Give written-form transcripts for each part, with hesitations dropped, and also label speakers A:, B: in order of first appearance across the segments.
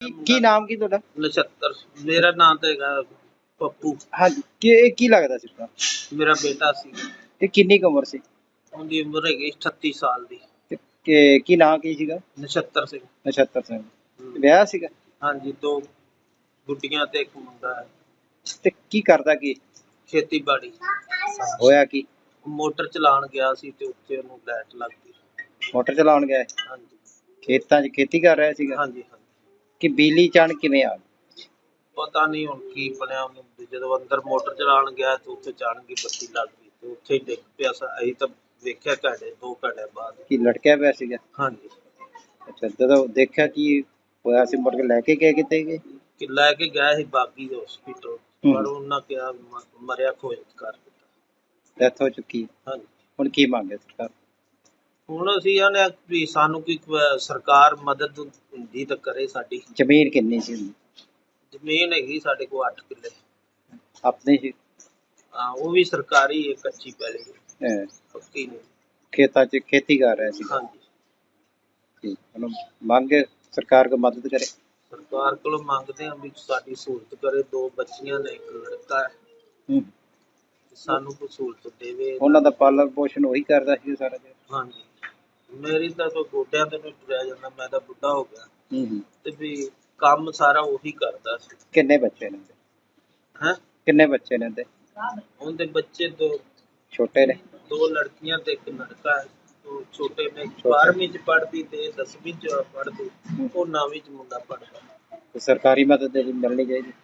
A: ਕੀ ਨਾਮ ਕੀ ਤੁਹਾਡਾ?
B: ਨਛੱਤਰ ਮੇਰਾ ਨਾਮ ਤਾਂ ਹੈਗਾ ਪੱਪੂ।
A: ਹਾਂਜੀ, ਕੀ ਲੱਗਦਾ ਸੀ ਤੁਹਾਡਾ?
B: ਮੇਰਾ ਬੇਟਾ ਸੀ।
A: ਤੇ ਕਿੰਨੀ ਕੁ ਉਮਰ ਸੀ?
B: ਉਹਦੀ ਉਮਰ ਹੈਗੀ 38 ਸਾਲ ਦੀ।
A: ਤੇ ਕੀ ਨਾਂ ਕੀ ਸੀਗਾ?
B: ਨਛੱਤਰ ਸਿੰਘ।
A: ਨਛੱਤਰ ਸਿੰਘ। ਵਿਆਹ ਸੀਗਾ?
B: ਹਾਂਜੀ, 2 ਗੁੱਡੀਆਂ ਤੇ 1 ਮੁੰਡਾ ਹੈ।
A: ਤੇ ਕੀ ਕਰਦਾ ਕੀ?
B: ਖੇਤੀਬਾੜੀ।
A: ਹੋਇਆ ਕੀ?
B: ਮੋਟਰ ਚਲਾਉਣ ਗਿਆ ਸੀ ਤੇ ਉੱਥੇ ਉਹਨੂੰ ਲਾਈਟ ਲੱਗ ਗਈ।
A: ਮੋਟਰ ਚਲਾਉਣ ਗਿਆ?
B: ਹਾਂਜੀ
A: ਖੇਤਾਂ 'ਚ ਖੇਤੀ ਕਰ ਰਿਹਾ ਸੀਗਾ?
B: ਹਾਂਜੀ ਹਾਂਜੀ।
A: ਕਿ ਬਿਜਲੀ ਅਚਾਨਕ ਕਿਵੇਂ ਆ ਗਈ?
B: ਪਤਾ ਨਹੀਂ ਹੁਣ ਕੀ ਬਣਿਆ ਉਹਨੂੰ। ਜਦੋਂ ਅੰਦਰ ਮੋਟਰ ਚਲਾਉਣ ਗਿਆ ਤੇ ਉੱਥੇ ਅਚਾਨਕ ਹੀ ਬੱਤੀ ਲੱਗ ਗਈ ਤੇ ਉੱਥੇ ਹੀ ਡਿੱਗ ਪਿਆ। ਅਸੀਂ ਤਾਂ ਵੇਖਿਆ 2 ਘੰਟੇ ਬਾਅਦ।
A: ਕੀ ਲਟਕਿਆ ਪਿਆ ਸੀਗਾ?
B: ਹਾਂਜੀ।
A: ਅੱਛਾ, ਜਦੋਂ ਦੇਖਿਆ ਕੀ ਹੋਇਆ ਸੀ ਮੁੜ ਕੇ ਲੈ ਕੇ ਗਏ ਕਿਤੇ ਗਏ?
B: ਕਿ ਲੈ ਕੇ ਗਿਆ ਸੀ ਬਾਗੀ ਦੇ ਹਸਪੀਟਲ, ਪਰ ਉਹਨਾਂ ਕਿਹਾ ਮਰਿਆ ਘੋਸ਼ਿਤ ਕਰ ਦਿੱਤਾ।
A: ਡੈਥ ਹੋ ਚੁੱਕੀ?
B: ਹਾਂਜੀ।
A: ਹੁਣ ਕੀ ਮੰਗੇ ਸਰਕਾਰ?
B: ਹੁਣ ਅਸੀਂ ਆਨੇ ਵੀ ਸਾਨੂੰ ਕੋਈ ਸਰਕਾਰ ਮਦਦ ਹੁੰਦੀ ਤਾਂ ਕਰੇ ਸਾਡੀ।
A: ਜ਼ਮੀਨ ਕਿੰਨੀ ਸੀ?
B: ਜ਼ਮੀਨ ਹੈਗੀ ਸਾਡੇ ਕੋਲ 8 ਕਿੱਲੇ।
A: ਆਪਣੀ ਸੀ?
B: ਹਾਂ, ਉਹ ਵੀ ਸਰਕਾਰੀ ਹੈ, ਕੱਚੀ ਪੈਲੀ
A: ਹੈਂ।
B: ਪੱਕੀ ਨਹੀਂ।
A: ਖੇਤਾਂ 'ਚ ਖੇਤੀ ਕਰ ਰਿਹਾ ਸੀ?
B: ਹਾਂਜੀ।
A: ਠੀਕ, ਹੁਣ ਮੰਗ ਸਰਕਾਰ ਕੋ ਮਦਦ ਕਰੇ।
B: ਸਰਕਾਰ ਕੋਲੋਂ ਮੰਗਦੇ ਹਾਂ ਵੀ ਸਾਡੀ ਸਹੂਲਤ ਕਰੇ। 2 ਬੱਚੀਆਂ ਨੇ, 1 ਲੜਕਾ ਹੈ। ਸਾਨੂੰ ਕੋਈ ਸਹੂਲਤ ਦੇਵੇ।
A: ਉਹਨਾਂ ਦਾ ਪਾਲਣ ਪੋਸ਼ਣ ਉਹੀ ਕਰਦਾ ਸੀ ਸਾਰਾ ਦਿਨ?
B: ਹਾਂਜੀ। ਮੇਰੀ ਤਾਂ ਕੋਈ ਗੋਡਿਆਂ ਤੇ ਨਹੀਂ ਤੁਰਿਆ ਜਾਂਦਾ, ਮੈਂ ਤਾਂ ਬੁੱਢਾ ਹੋ ਗਿਆ। ਤੇ ਵੀ ਕੰਮ ਸਾਰਾ ਉਹੀ ਕਰਦਾ ਸੀ।
A: ਕਿੰਨੇ ਬੱਚੇ ਨੇ?
B: ਹੈਂ?
A: ਕਿੰਨੇ ਬੱਚੇ ਨੇ ਉਹਦੇ?
B: ਉਹਦੇ ਬੱਚੇ 2
A: ਛੋਟੇ ਨੇ?
B: 2 ਲੜਕੀਆਂ ਤੇ 1 ਲੜਕਾ ਹੈ। ਉਹ ਛੋਟੇ ਨੇ 12ਵੀਂ 'ਚ ਪੜ੍ਹਦੀ ਤੇ 10ਵੀਂ 'ਚ ਪੜ੍ਹਦੀ। ਉਹ 9ਵੀਂ 'ਚ ਮੁੰਡਾ ਪੜ੍ਹਦਾ।
A: ਤੇ ਸਰਕਾਰੀ ਮਦਦ ਮਿਲਣੀ ਚਾਹੀਦੀ।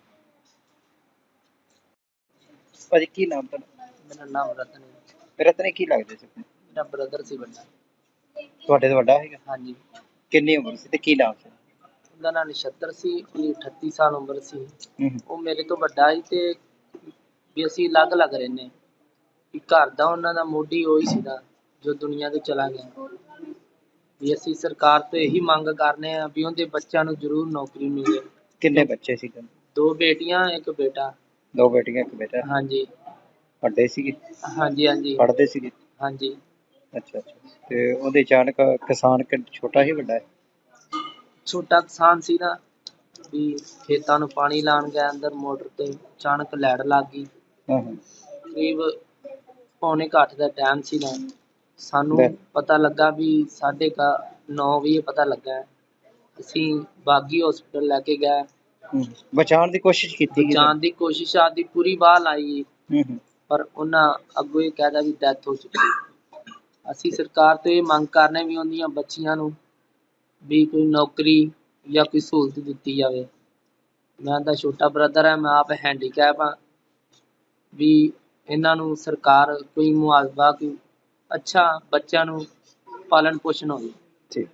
A: ਭਾਜੀ ਕੀ ਨਾਮ ਤੁਹਾਡਾ?
C: ਮੇਰਾ ਨਾਮ ਰਤਨ ਹੈ।
A: ਰਤਨ ਕੀ ਲੱਗਦੇ ਸੀ?
C: ਮੇਰਾ ਬ੍ਰਦਰ ਸੀ ਵੱਡਾ।
A: ਤੁਹਾਡੇ ਤੋਂ ਵੱਡਾ ਹੈਗਾ?
C: ਹਾਂਜੀ।
A: ਕਿੰਨੀ ਉਮਰ ਸੀ ਤੇ ਕੀ ਨਾਮ ਸੀ?
C: ਉਹਦਾ ਨਾਮ ਨਛੱਤਰ ਸੀ। ਉਹਦੀ 38 ਸਾਲ ਉਮਰ ਸੀ। ਉਹ ਮੇਰੇ ਤੋਂ ਵੱਡਾ ਸੀ ਤੇ ਵੀ ਅਸੀਂ ਅਲੱਗ-ਅਲੱਗ ਰਹਿੰਦੇ। ਵੀ ਘਰ ਦਾ ਉਹਨਾਂ ਦਾ ਮੋਢੀ ਉਹੀ ਸੀਗਾ ਜੋ ਦੁਨੀਆ ਤੋਂ ਚਲਾ ਗਿਆ। ਵੀ ਅਸੀਂ ਸਰਕਾਰ ਤੋਂ ਇਹੀ ਮੰਗ ਕਰਨੇ ਆ ਵੀ ਉਹਦੇ ਬੱਚਿਆਂ ਨੂੰ ਜ਼ਰੂਰ ਨੌਕਰੀ ਮਿਲੇ।
A: ਕਿੰਨੇ ਬੱਚੇ ਸੀ?
C: 2 ਬੇਟੀਆਂ 1 ਬੇਟਾ।
A: 2 ਬੇਟੀਆਂ 1 ਬੇਟਾ।
C: ਹਾਂਜੀ।
A: ਵੱਡੇ ਸੀਗੇ?
C: ਹਾਂਜੀ ਹਾਂਜੀ।
A: ਪੜ੍ਹਦੇ ਸੀਗੇ?
C: ਹਾਂਜੀ।
A: ਅੱਛਾ ਅੱਛਾ। ਤੇ ਉਹਦੇ ਅਚਾਨਕ ਕਿਸਾਨ ਛੋਟਾ ਹੀ ਵੱਡਾ ਹੈ?
C: ਛੋਟਾ ਕਿਸਾਨ ਸੀ ਨਾ, ਵੀ ਖੇਤਾਂ ਨੂੰ ਪਾਣੀ ਲਾਉਣ ਗਿਆ ਅੰਦਰ ਮੋਟਰ ਤੇ ਅਚਾਨਕ ਲਾਈਟ ਲੱਗ ਗਈ। ਕਰੀਬ 7:45 ਦਾ ਟਾਈਮ ਸੀਗਾ। ਸਾਨੂੰ ਪਤਾ ਲੱਗਾ ਵੀ 9:30 ਵਜੇ ਪਤਾ ਲੱਗਾ। ਅਸੀਂ ਬਾਗੀ ਹਸਪੀਟਲ ਲੈ ਕੇ ਗਏ।
A: ਬਚਾਉਣ ਦੀ ਕੋਸ਼ਿਸ਼ ਕੀਤੀ?
C: ਬਚਾਉਣ ਦੀ ਕੋਸ਼ਿਸ਼ ਆਦੀ ਪੂਰੀ ਬਾਹ ਲਾਈ, ਪਰ ਉਹਨਾਂ ਅੱਗੋਂ ਇਹ ਕਹਿਦਾ ਵੀ ਡੈਥ ਹੋ ਚੁੱਕੀ। ਅਸੀਂ ਸਰਕਾਰ ਤੋਂ ਇਹ ਮੰਗ ਕਰਨੇ ਵੀ ਉਹਦੀਆਂ ਬੱਚੀਆਂ ਨੂੰ ਵੀ ਕੋਈ ਨੌਕਰੀ ਜਾਂ ਕੋਈ ਸਹੂਲਤ ਦਿੱਤੀ ਜਾਵੇ। ਮੈਂ ਤਾਂ ਛੋਟਾ ਬ੍ਰਦਰ ਹੈ, ਮੈਂ ਆਪ ਹੈਂਡੀਕੈਪ ਹਾਂ। ਵੀ ਇਹਨਾਂ ਨੂੰ ਸਰਕਾਰ ਕੋਈ ਮੁਆਵਜ਼ਾ, ਕੋਈ ਅੱਛਾ ਬੱਚਿਆਂ ਨੂੰ ਪਾਲਣ ਪੋਸ਼ਣ ਹੋਵੇ।
A: ਠੀਕ।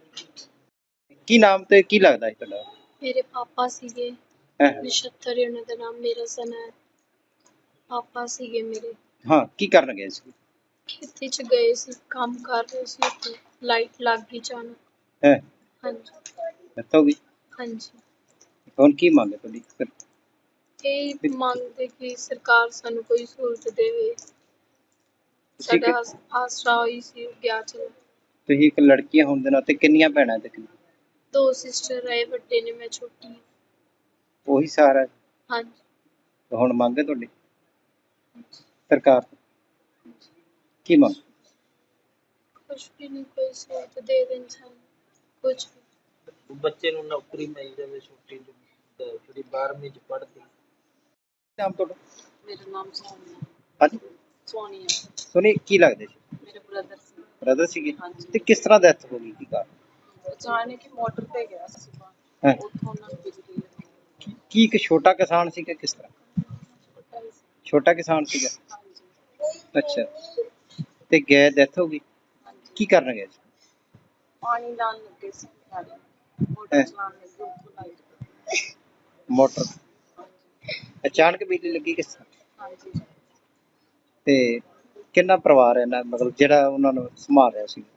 A: ਕੀ ਨਾਮ ਤੇ ਕੀ ਲੱਗਦਾ ਹੈ ਤੁਹਾਡਾ?
D: ਮੇਰੇ ਪਾਪਾ ਸੀਗੇ ਨਛੱਤਰ ਉਹਨਾਂ ਦਾ ਨਾਮ। ਮੇਰਾ ਸਨ ਹੈ। ਪਾਪਾ ਸੀਗੇ ਮੇਰੇ।
A: ਹਾਂ, ਕੀ ਕਰਨ ਗਏ ਸੀ?
D: ਖੇਤੀ 'ਚ ਗਏ ਸੀ, ਕੰਮ ਕਰ ਰਹੇ ਸੀ। ਉੱਥੇ ਲਾਈਟ ਲੱਗ ਗਈ ਅਚਾਨਕ। ਹਾਂਜੀ।
A: ਡੈਥ ਹੋ ਗਈ?
D: ਹਾਂਜੀ।
A: ਹੁਣ ਕੀ ਮੰਗ ਹੈ ਤੁਹਾਡੀ?
D: ਇਹ ਮੰਗਦੇ ਕਿ ਸਰਕਾਰ ਸਾਨੂੰ ਕੋਈ ਸਹੂਲਤ ਦੇਵੇ। ਸਾਡਾ ਆਸਰਾ ਹੋਈ ਸੀ ਗਿਆ ਚਲੋ।
A: ਤੁਸੀਂ ਇੱਕ ਲੜਕੀ ਹੋਣ ਦੇ ਨਾਤੇ ਕਿੰਨੀਆਂ ਭੈਣਾਂ ਤੇ?
D: 2 ਸਿਸਟਰ ਆਏ, ਵੱਡੇ ਨੇ, ਮੈਂ ਛੋਟੀ ਹਾਂ।
A: ਉਹੀ ਸਹਾਰਾ?
D: ਹਾਂਜੀ।
A: ਹੁਣ ਮੰਗ ਹੈ ਤੁਹਾਡੀ ਸਰਕਾਰ ਤੋਂ? ਕੀ ਮੰਗ?
D: ਕੁਛ ਵੀ ਨਹੀਂ, ਕੋਈ ਸਹੂਲਤ ਦੇ ਦੇਣ ਸਾਨੂੰ, ਕੁਛ ਵੀ।
B: ਬੱਚੇ ਨੂੰ ਨੌਕਰੀ ਮਿਲ ਜਾਵੇ ਛੋਟੀ ਜਿਹੜੀ 12ਵੀਂ 'ਚ ਪੜ੍ਹਦੀ।
A: ਨਾਮ ਤੁਹਾਡਾ?
E: ਮੇਰਾ ਨਾਮ ਸੋਨੀਆ।
A: ਹਾਂਜੀ।
E: ਸੋਨੀਆ।
A: ਸੋਨੀ ਕੀ ਲੱਗਦੇ ਸੀ?
E: ਮੇਰੇ ਬ੍ਰਦਰ ਸੀ।
A: ਬ੍ਰਦਰ ਸੀਗੇ?
E: ਹਾਂਜੀ।
A: ਤੇ ਕਿਸ ਤਰ੍ਹਾਂ ਡੈਥ ਹੋ ਗਈ? ਕੀ ਕਾਰਨ?
E: ਅਚਾਨਕ ਹੀ ਮੋਟਰ ਤੇ ਗਿਆ ਸੀ ਸੁਬਾਹ, ਉੱਥੋਂ ਉਹਨਾਂ ਨੂੰ ਬਿਜਲੀ ਲੱਗੀ।
A: ਕੀ ਇੱਕ ਛੋਟਾ ਕਿਸਾਨ ਸੀਗਾ? ਕਿਸ ਤਰ੍ਹਾਂ?
E: ਛੋਟਾ ਹੀ ਸੀ।
A: ਛੋਟਾ ਕਿਸਾਨ ਸੀਗਾ?
E: ਹਾਂਜੀ।
A: ਅੱਛਾ। ਤੇ ਗਏ, ਡੈਥ ਹੋ ਗਈ?
E: ਹਾਂਜੀ।
A: ਕੀ ਕਰਨ ਗਏ ਸੀ?
E: ਪਾਣੀ ਲਾਉਣ ਲੱਗੇ ਸੀ ਨਾਲੇ, ਮੋਟਰ ਚਲਾਉਣ ਲੱਗੇ, ਉੱਥੋਂ ਲਾਈਟ
A: ਮੋਟਰ ਅਚਾਨਕ ਬਿਜਲੀ ਲੱਗੀ? ਕਿਸ ਤਰ੍ਹਾਂ?
E: ਹਾਂਜੀ।
A: ਤੇ ਕਿੰਨਾ ਪਰਿਵਾਰ ਹੈ ਇਹਨਾਂ, ਮਤਲਬ ਜਿਹੜਾ ਉਹਨਾਂ ਨੂੰ ਸੰਭਾਲ ਰਿਹਾ ਸੀ?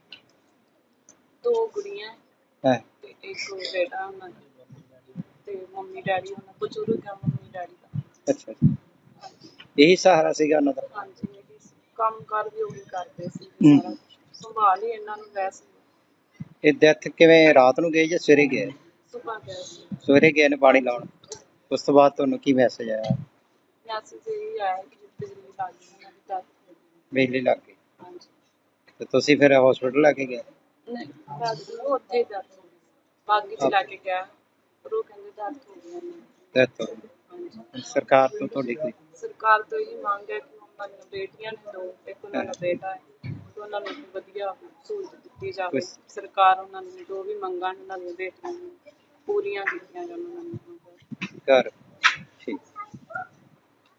E: 2 ਗੁੜੀਆਂ ਤੇ 1 ਬੇਟਾ ਉਹਨਾਂ ਦਾ। ਤੇ ਮੰਮੀ ਡੈਡੀ ਉਹਨਾਂ ਬਜ਼ੁਰਗ ਆ, ਮੰਮੀ ਡੈਡੀ ਦਾ।
A: ਅੱਛਾ। ਇਹੀ ਸਹਾਰਾ ਸੀਗਾ ਉਹਨਾਂ ਦਾ?
E: ਹਾਂਜੀ। ਕੰਮ ਕਾਰ ਵੀ ਉਹੀ ਕਰਦੇ ਸੀ, ਸਾਰਾ ਕੁਛ ਸੰਭਾਲ ਹੀ ਇਹਨਾਂ ਨੂੰ ਵੈਸੇ।
A: ਇਹ ਡੈਥ ਕਿਵੇਂ, ਰਾਤ ਨੂੰ ਗਏ ਜਾਂ ਸਵੇਰੇ ਗਏ?
E: ਸੁਭਾ ਗਿਆ ਸੀ।
A: ਸਵੇਰੇ ਗਏ ਨੇ ਪਾਣੀ ਲਾਉਣ, ਉਸ ਤੋਂ ਬਾਅਦ ਤੁਹਾਨੂੰ ਕੀ ਮੈਸੇਜ ਆਇਆ?
E: ਮੈਸੇਜ ਇਹ ਆਇਆ ਕਿ ਬਿਜਲੀ ਲੱਗ ਗਈ, ਉਹਨਾਂ ਦੀ death ਹੋ ਗਈ।
A: ਬਿਜਲੀ ਲੱਗ ਗਈ
E: ਹਾਂਜੀ।
A: ਤੇ ਤੁਸੀਂ ਫਿਰ ਹਸਪੀਟਲ ਲੈ ਕੇ ਗਏ?
E: ਨਹੀਂ, ਉਹ ਉੱਥੇ ਹੀ death ਹੋ ਗਈ। ਬਾਗੀ ਚ ਲੈ ਕੇ ਗਿਆ, ਪਰ ਉਹ ਕਹਿੰਦੇ death ਹੋ ਗਈ ਉਹਨਾਂ ਦੀ।
A: ਡੈਥ ਹੋ
E: ਹਾਂਜੀ।
A: ਗਈ। ਸਰਕਾਰ ਤੋਂ ਤੁਹਾਡੀ ਕੋਈ
E: ਸਰਕਾਰ ਤੋਂ ਇਹੀ ਮੰਗ ਹੈ ਕਿ ਉਹਨਾਂ ਨੂੰ ਬੇਟੀਆਂ ਨੇ ਦੋ, ਇੱਕ ਉਹਨਾਂ ਦਾ ਬੇਟਾ ਹੈ, ਤੇ ਉਹਨਾਂ ਨੂੰ ਵਧੀਆ ਸਹੂਲਤ ਦਿੱਤੀ ਜਾਵੇ। ਸਰਕਾਰ ਉਹਨਾਂ ਨੂੰ ਜੋ ਵੀ ਮੰਗਾਂ ਉਹਨਾਂ ਦੀਆਂ ਬੇਟੀਆਂ ਨੂੰ ਪੂਰੀਆਂ ਕੀਤੀਆਂ ਜਾਣ ਉਹਨਾਂ ਨੂੰ।
A: ਘਰ